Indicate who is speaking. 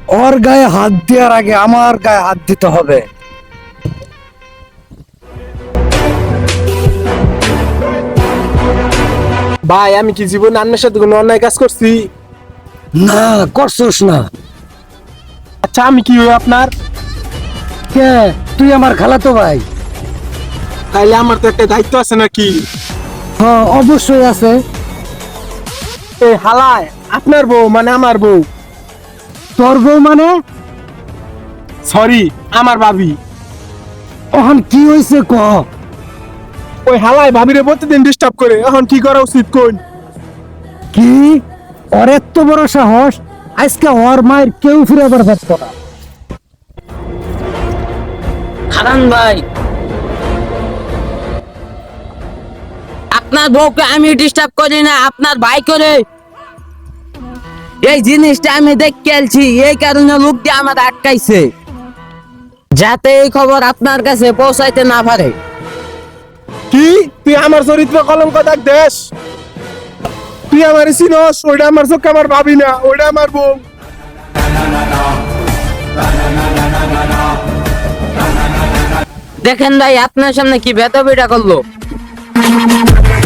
Speaker 1: ওর গায়ে হাত দেওয়ার আগে আমার গায়ে হাত দিতে হবে।
Speaker 2: ভাই আমি কি জীবনে আপনার সাথে কোনো অন্যায় কাজ করছি?
Speaker 1: না, করছস না।
Speaker 2: আচ্ছা আমি কি হই আপনার?
Speaker 1: কে? তুই আমার খালাতো ভাই।
Speaker 2: তাইলে আমার তো একটা দায়িত্ব আছে নাকি?
Speaker 1: হ্যাঁ, অবশ্যই আছে।
Speaker 2: এই হালায় আপনার বউ মানে আমার বউ,
Speaker 1: তোর বউ মানে?
Speaker 2: সরি আমার ভাবি।
Speaker 1: এখন কি হয়েছে ক?
Speaker 2: ওই হালায় ভাবিরে প্রতিদিন ডিস্টার্ব করে, এখন কি করা উচিত কোন?
Speaker 1: কি? ওর এত বড় সাহস! আজকে ওর মায়ের কেউ ফিরে পারত না।
Speaker 3: হারান ভাই, আপনার বউকে আমি ডিস্টার্ব করি না, আপনার ভাই করে। এই জিনিসটা আমি দেখে আলছি, এই কারণে লোকটি আমার আটকাইছে, যাতে এই খবর আপনার কাছে পৌঁছাইতে না পারে।
Speaker 2: কি তুই আমার চরিত্র কলঙ্ক দাগ দেশ? তুই আমার চিনস? ওইটা আমার চোখে আমার ভাবি না, ওইটা আমার বউ।
Speaker 3: দেখেন ভাই, আপনার সামনে কি বেতবিটা করলো।